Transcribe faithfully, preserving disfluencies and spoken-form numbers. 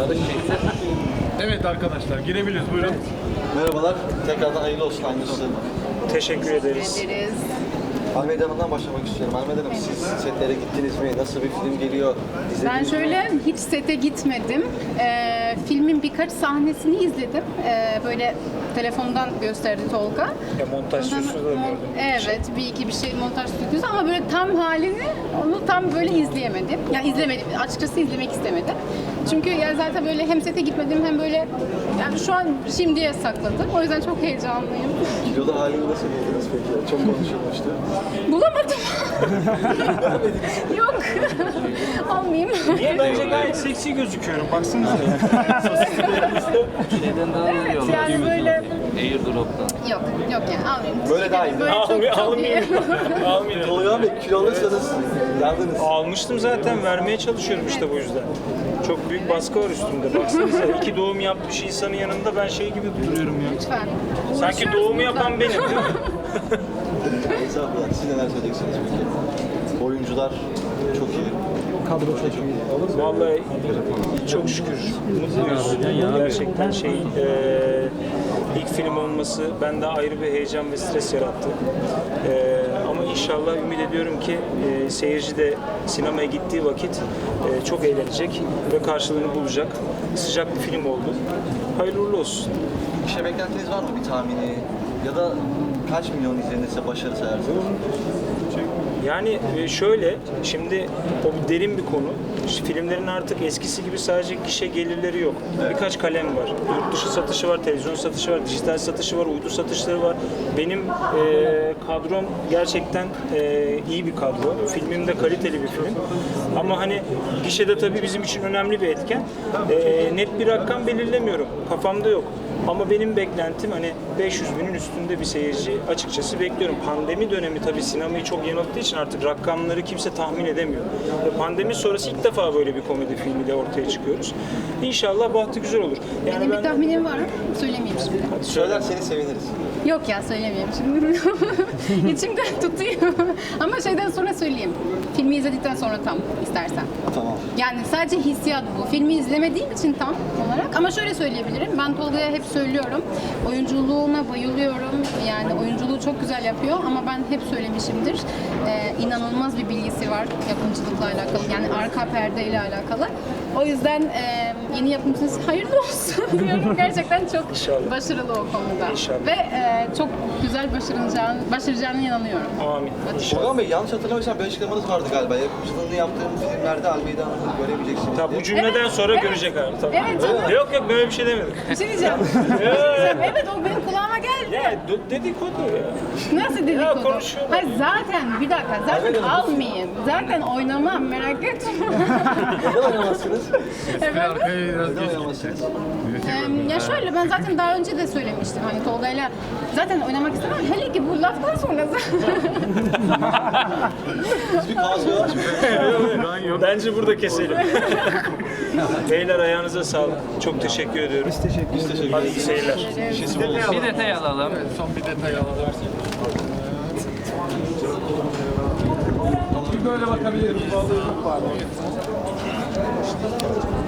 Evet arkadaşlar girebiliriz buyurun. Merhabalar, tekrardan hayırlı olsun aynısı. Teşekkür ederiz. ederiz. Almeda Hanım'dan başlamak istiyorum. Almeda Hanım, siz setlere gittiniz mi? Nasıl bir film geliyor? İzlediniz Ben mi? şöyle hiç sete gitmedim. Ee, filmin birkaç sahnesini izledim. Ee, böyle telefondan gösterdi Tolga. Ya montaj Ondan- stüdyosu da mon- gördüm. Evet, bir iki bir şey montaj stüdyosu ama böyle tam halini onu tam böyle izleyemedim. Ya izlemedim. Açıkçası izlemek istemedim. Çünkü yani zaten böyle hem sete gitmedim hem böyle yani şu an şimdiye sakladım. O yüzden çok heyecanlıyım. Kilolu halini nasıl buldunuz peki? Çok konuşulmuştu. Bulamadım. Yok. Almayayım. Niye? Bence gayet seksi gözüküyorum. Baksanıza. Şeyden daha Evet, veriyorlar. yani böyle Airdrop'tan. yok yok yani almayayım. Böyle daha iyi. Böyle çok Almayayım. çok iyi. Almayayım. Almayayım. Tolga Bey, kilo alırsanız yandınız. Almıştım zaten. Vermeye çalışıyorum işte bu yüzden. Çok büyük baskı var üstümde. Baksanıza iki doğum yapmış insanın yanında ben şey gibi duruyorum ya. Lütfen. Sanki Uğraşıyoruz doğumu burada. yapan benim değil mi? Estağfurullah, siz neler söyleyeceksiniz peki? Oyuncular çok iyi. Kadro çok iyi. Vallahi çok şükür mutluyuz. Gerçekten şey e, ilk film olması bende ayrı bir heyecan ve stres yarattı. E, ama inşallah ümit ediyorum ki e, seyirci de sinemaya gittiği vakit e, çok eğlenecek ve karşılığını bulacak. Sıcak bir film oldu. Hayırlı uğurlu olsun. Bir şey beklentiniz var mı, bir tahmini? Ya da kaç milyon izlenirse başarı sayarsınız? Yani e, şöyle, şimdi o bir derin bir konu. İşte filmlerin artık eskisi gibi sadece gişe gelirleri yok. Birkaç kalem var. Yurt dışı satışı var, televizyon satışı var, dijital satışı var, uydu satışları var. Benim e, kadrom gerçekten e, iyi bir kadro. Filmim de kaliteli bir film. Ama hani gişede tabii bizim için önemli bir etken. E, net bir rakam belirlemiyorum. Kafamda yok. Ama benim beklentim hani beş yüz binin üstünde bir seyirci açıkçası bekliyorum. Pandemi dönemi tabii sinemayı çok yanılttığı için artık rakamları kimse tahmin edemiyor. Ve pandemi sonrası ilk defa böyle bir komedi filmiyle ortaya çıkıyoruz. İnşallah bahtı güzel olur. Yani Benim ben bir tahminim var. Söylemeyeyim şimdi. Söylerseniz seviniriz. Yok ya söylemeyeyim şimdi. İçimden tutuyor. Ama şeyden sonra söyleyeyim. Filmi izledikten sonra tam istersen. Tamam. Yani sadece hissiyat bu. Filmi izlemediğim için tam olarak. Ama şöyle söyleyebilirim. Ben Tolga'ya hep söylüyorum. Oyunculuğuna bayılıyorum. Yani oyunculuğu çok güzel yapıyor ama ben hep söylemişimdir. Ee, inanılmaz bir bilgisi var yapımcılıkla alakalı. Yani arka perdeyle alakalı. O yüzden e, yeni yapımcınız hayırlı olsun diyorum. Gerçekten çok İnşallah. başarılı o konuda. İnşallah. Ve e, çok güzel başaracağını, başaracağına inanıyorum. amin. İnşallah. Tolga Bey, yanlış hatırlamıyorsam bir açıklamanız vardı galiba. Yapımcılığını yaptığım filmlerde Almeda Hanım'ı göremeyeceksiniz Tabii diye. bu cümleden Evet, sonra evet. görecek abi. Tabii. Evet, canım. Yok yok böyle bir şey demedim. Bir şey diyeceğim. Bir şey diyeceğim. Evet o benim kulağıma geldi. Ya d- dedikodu ya. Nasıl dedikodu? konuşuyorlar. Hayır zaten bir dakika zaten almayayım. Zaten oynamam merak etme. Neden oynamazsınız? Evet. Arkaya biraz Neden geç. oynamazsınız? Ee, ya şöyle ben zaten daha önce de söylemiştim hani Tolga'yla zaten oynamak istemem. Hele ki bu laftan sonra Biz bir kaos var. Bence burada keselim. Beyler ayağınıza sağlık. Çok teşekkür ediyorum. Biz teşekkür ederiz. Hadi iyi seyirler. Bir detay alalım. Son bir detay alalım. Bir böyle bakabiliriz.